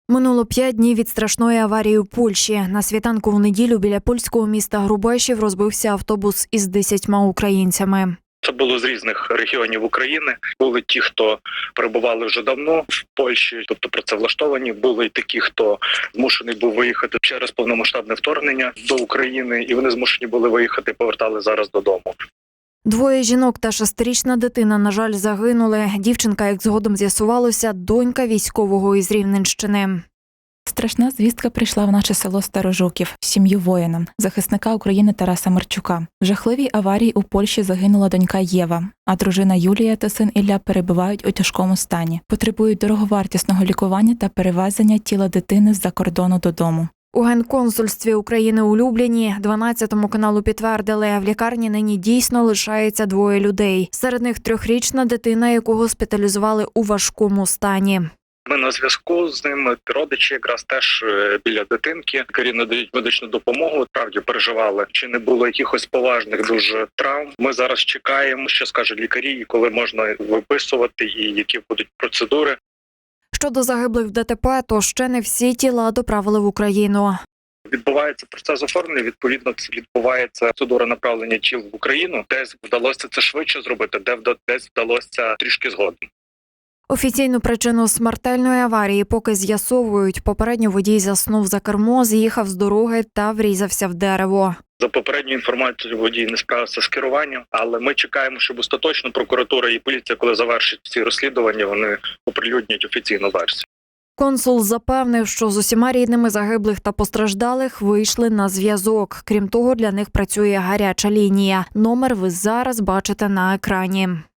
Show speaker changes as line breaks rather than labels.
Минуло 5 днів від страшної аварії у Польщі. На світанку в неділю біля польського міста Грубешів розбився автобус із 10 українцями.
Це було з різних регіонів України. Були ті, хто перебували вже давно в Польщі, тобто працевлаштовані. Були й такі, хто змушений був виїхати через повномасштабне вторгнення до України, і вони змушені були виїхати, повертали зараз додому.
2 жінок та 6-річна дитина, на жаль, загинули. Дівчинка, як згодом з'ясувалося, донька військового із Рівненщини.
Страшна звістка прийшла в наше село Старожуків, в сім'ю воїна, захисника України Тараса Марчука. В жахливій аварії у Польщі загинула донька Єва, а дружина Юлія та син Ілля перебувають у тяжкому стані. Потребують дороговартісного лікування та перевезення тіла дитини з-за кордону додому.
У Генконсульстві України у Любліні 12-му каналу підтвердили, в лікарні нині дійсно лишається 2 людей. Серед них 3-річна дитина, яку госпіталізували у важкому стані.
Ми на зв'язку з ними, родичі якраз теж біля дитинки. Лікарі надають медичну допомогу. Справді переживали, чи не було якихось поважних дуже травм. Ми зараз чекаємо, що скажуть лікарі, і коли можна виписувати, і які будуть процедури.
Щодо загиблих в ДТП, то ще не всі тіла доправили в Україну.
Відбувається процес оформлення, відповідно, це відбувається процедура направлення тіл в Україну. Десь вдалося це швидше зробити, десь вдалося трішки згодом.
Офіційну причину смертельної аварії поки з'ясовують. Попередньо водій заснув за кермо, з'їхав з дороги та врізався в дерево.
За попередньою інформацією, водій не справився з керуванням, але ми чекаємо, щоб остаточно прокуратура і поліція, коли завершать ці розслідування, вони оприлюднять офіційну версію.
Консул запевнив, що з усіма рідними загиблих та постраждалих вийшли на зв'язок. Крім того, для них працює гаряча лінія. Номер ви зараз бачите на екрані.